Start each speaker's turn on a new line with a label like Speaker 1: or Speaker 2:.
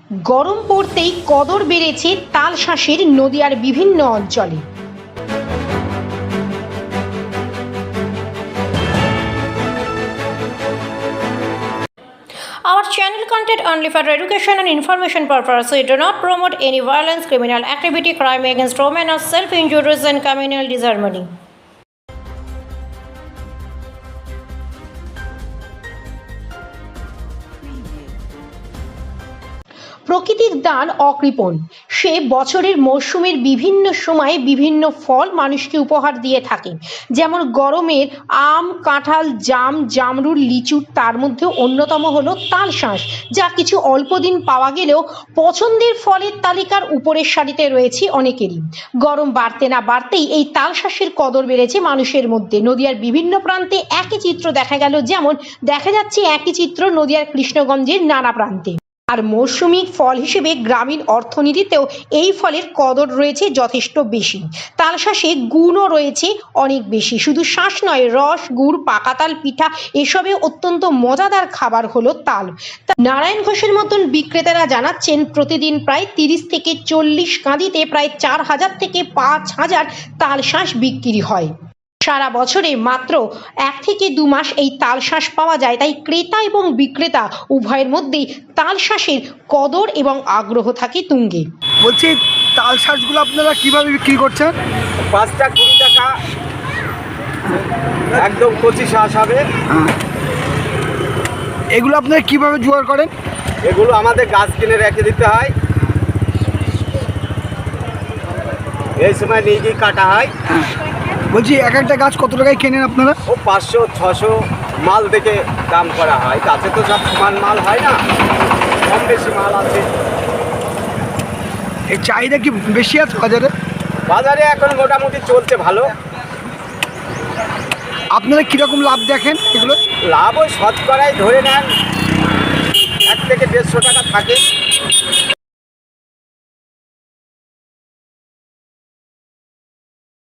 Speaker 1: গরম পড়তেই কদর বেড়েছে তালশাঁসের নদিয়ার বিভিন্ন অঞ্চলে। Our channel content only for education and information purpose. We do not promote any violence, criminal activity, crime against women, or self-injuries and communal disharmony. প্রকৃতির দান অকৃপণ। সে বছরের মরশুমের বিভিন্ন সময়ে বিভিন্ন ফল মানুষকে উপহার দিয়ে থাকে। যেমন গরমের আম, কাঁঠাল, জাম, জামরুল, লিচু, তার মধ্যে অন্যতম হলো তালশাঁস, যা কিছু অল্প দিন পাওয়া গেলেও পছন্দের ফলের তালিকার উপরের সারিতে রয়েছে অনেকেরই। গরম বাড়তে না বাড়তেই এই তালশাঁসের কদর বেড়েছে মানুষের মধ্যে। নদিয়ার বিভিন্ন প্রান্তে একই চিত্র দেখা গেল, যেমন দেখা যাচ্ছে একই চিত্র নদিয়ার কৃষ্ণগঞ্জের নানা প্রান্তে। আর মৌসুমী ফল হিসেবে গ্রামীণ অর্থনীতিতেও এই ফলের কদর রয়েছে যথেষ্ট বেশি। তালশাঁসে গুণও রয়েছে অনেক বেশি। শুধু শাঁস নয়, রস, গুড়, পাকা তাল পিঠা এসবে অত্যন্ত মজাদার খাবার হলো তাল। নারায়ণ ঘোষের মতন বিক্রেতারা জানাচ্ছেন, প্রতিদিন প্রায় 30 থেকে 40 কাঁদিতে প্রায় 4000 থেকে 5000 তালশাঁস বিক্রি হয়। সারা বছরে মাত্র 1 থেকে 2 মাস এই তালশাঁস পাওয়া যায়। তাই ক্রেতা এবং বিক্রেতা উভয়ের মধ্যেই তালশাঁসের কদর এবং আগ্রহ থাকে তুঙ্গে।
Speaker 2: বলছি, তালশাঁসগুলো আপনারা কিভাবে বিক্রি করছেন?
Speaker 3: 5টা 20 টাকা, একদম কচি শাঁস হবে।
Speaker 2: এগুলো আপনারা কিভাবে জোগাড় করেন?
Speaker 3: এগুলো আমাদের গাছ কিনে রেখে দিতে হয়, এই সময় নিয়ে গিয়ে কাটা হয়।
Speaker 2: বলছি, এক একটা গাছ কত টাকায় কেনেন আপনারা?
Speaker 3: ও 500-600 মাল থেকে দাম করা হয়। গাছে তো সব সমান মাল হয় না, কম বেশি মাল আছে।
Speaker 2: এই চাহিদা কি বেশি আছে বাজারে?
Speaker 3: বাজারে এখন মোটামুটি চলছে ভালো।
Speaker 2: আপনারা কীরকম লাভ দেখেন এগুলো?
Speaker 3: লাভ ওই শতকরাই ধরে নেন 1 থেকে 150 টাকা থাকে।